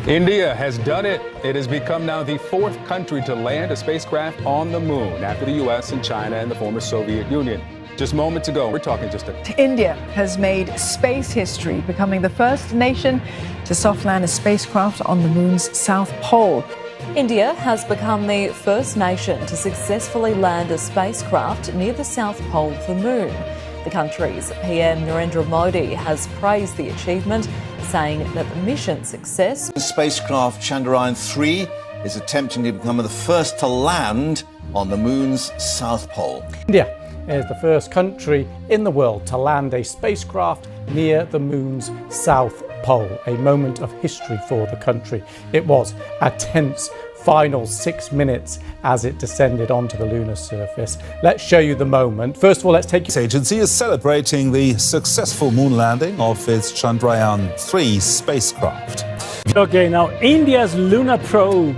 India has done it. It has become now the fourth country to land a spacecraft on the moon after the U.S. and China and the former Soviet Union. Just moments ago, we're talking India has made space history, becoming the first nation to soft land a spacecraft on the moon's south pole. India has become the first nation to successfully land a spacecraft near the south pole of the moon. The country's PM Narendra Modi has praised the achievement, saying that the mission success. The spacecraft Chandrayaan-3 is attempting to become the first to land on the moon's south pole. India is the first country in the world to land a spacecraft near the moon's south pole, a moment of history for the country. It was a tense final 6 minutes as it descended onto the lunar surface. Let's show you the moment. First of all, let's take you. The agency is celebrating the successful moon landing of its Chandrayaan-3 spacecraft. Okay, now India's lunar probe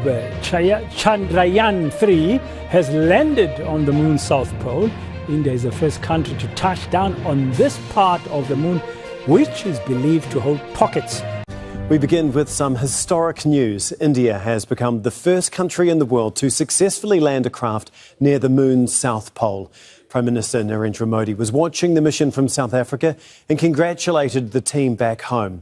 Chandrayaan-3 has landed on the moon's south pole. India is the first country to touch down on this part of the moon, which is believed to hold pockets. We begin with some historic news. India has become the first country in the world to successfully land a craft near the moon's south pole. Prime Minister Narendra Modi was watching the mission from South Africa and congratulated the team back home.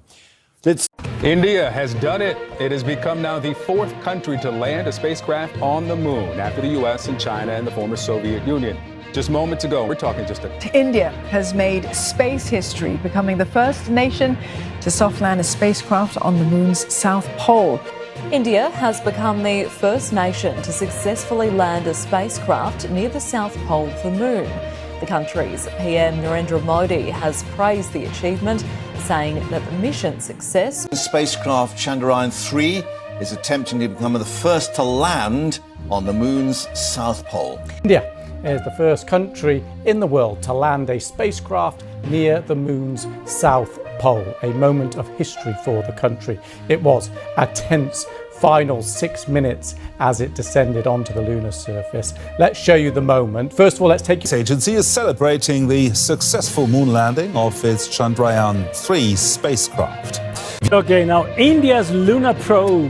India has done it. It has become now the fourth country to land a spacecraft on the moon after the U.S. and China and the former Soviet Union. Just moments ago, we're talking India has made space history, becoming the first nation to soft land a spacecraft on the moon's south pole. India has become the first nation to successfully land a spacecraft near the south pole of the moon. The country's PM Narendra Modi has praised the achievement, saying that the mission success. The spacecraft Chandrayaan-3 is attempting to become the first to land on the moon's south pole. India is the first country in the world to land a spacecraft near the moon's south pole, a moment of history for the country. It was a tense final 6 minutes as it descended onto the lunar surface. Let's show you the moment. First of all, let's take you. The agency is celebrating the successful moon landing of its Chandrayaan-3 spacecraft. Okay, now India's lunar probe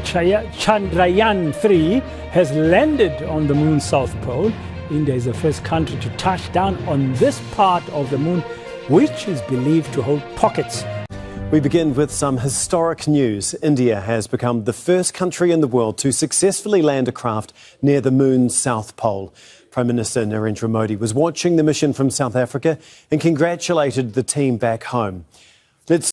Chandrayaan-3 has landed on the moon's south pole. India is the first country to touch down on this part of the moon, which is believed to hold pockets. We begin with some historic news. India has become the first country in the world to successfully land a craft near the moon's south pole. Prime Minister Narendra Modi was watching the mission from South Africa and congratulated the team back home.